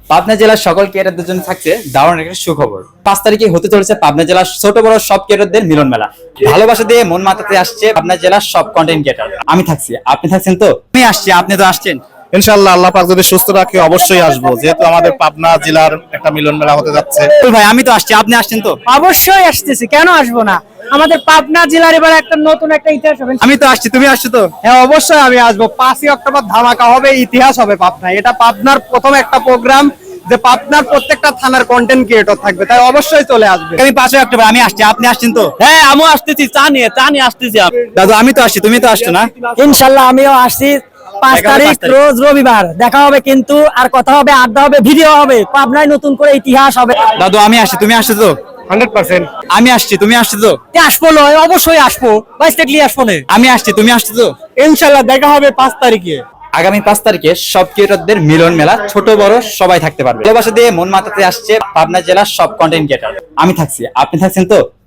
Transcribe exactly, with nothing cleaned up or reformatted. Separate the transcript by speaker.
Speaker 1: পাবনা জেলার সকল ক্রিয়েটরদের জন্য থাকছে দারুণ একটা সুখবর। পাঁচ তারিখে হতে চলেছে পাবনা জেলার ছোট বড় সব ক্রিয়েটরদের মিলন মেলা। ভালোবাসা দিয়ে মন মাতাতে আসছে পাবনা জেলার সব কন্টেন্ট ক্রিয়েটর। আমি থাকছি, আপনি থাকছেন তো? আমি আসছি, আপনি তো আসছেন।
Speaker 2: ইনশাআল্লাহ আল্লাহ পাক যদি সুস্থ রাখে অবশ্যই আসবো, যেহেতু আমাদের পাবনা জেলার একটা মিলন মেলা হতে যাচ্ছে।
Speaker 1: ভাই আমি তো আসছি, আপনি আসছেন তো?
Speaker 3: অবশ্যই আসতেছি, কেন আসবো না। আমাদের পাবনা জেলার এবার একটা নতুন একটা ইতিহাস হবে।
Speaker 1: আমি তো আসছি, তুমি আসছো তো?
Speaker 4: হ্যাঁ অবশ্যই আমি আসবো। পাঁচই অক্টোবর ধামাকা হবে, ইতিহাস হবে পাবনায়। এটা পাবনার প্রথম একটা প্রোগ্রাম যে পাবনার প্রত্যেকটা থানার কন্টেন্ট ক্রিয়েটর থাকবে, তাই অবশ্যই চলে আসবে।
Speaker 1: আমি পাঁচই অক্টোবর আমি আসছি, আপনি আসছেন তো?
Speaker 5: হ্যাঁ আমিও আসতেছি, চা নিয়ে চা নিয়ে আসতেছি।
Speaker 1: দাদু আমি তো আসছি, তুমি তো আসছো না?
Speaker 3: ইনশাল্লাহ আমিও আসছি। পাঁচ
Speaker 1: দেখা হবে
Speaker 3: তারিখ
Speaker 1: পাঁচ তারিখ।
Speaker 3: রোজ রবিবার দেখা হবে, কিন্তু আর কথা হবে, আড্ডা হবে, ভিডিও হবে, পাবনায় নতুন করে ইতিহাস হবে।
Speaker 1: দাদু আমি আসছি, তুমি আসছো তো?
Speaker 4: হান্ড্রেড পার্সেন্ট
Speaker 1: আমি আসছি, তুমি আসছো তো?
Speaker 3: আসবো নয়, অবশ্যই আসবো, বাইশ দেখলি আসবো না।
Speaker 1: আমি আসছি, তুমি আসছো তো?
Speaker 4: ইনশাল্লাহ দেখা হবে পাঁচ তারিখে।
Speaker 1: আগামী পাঁচ তারিখে সব ক্রিয়েটরদের মিলন মেলা, ছোট বড় সবাই থাকতে পারবে। ভালোবাসা দিয়ে মন মাতাতে আসছে পাবনা জেলার সব কন্টেন্ট ক্রিয়েটর। আমি থাকছি, আপনি থাকছেন তো?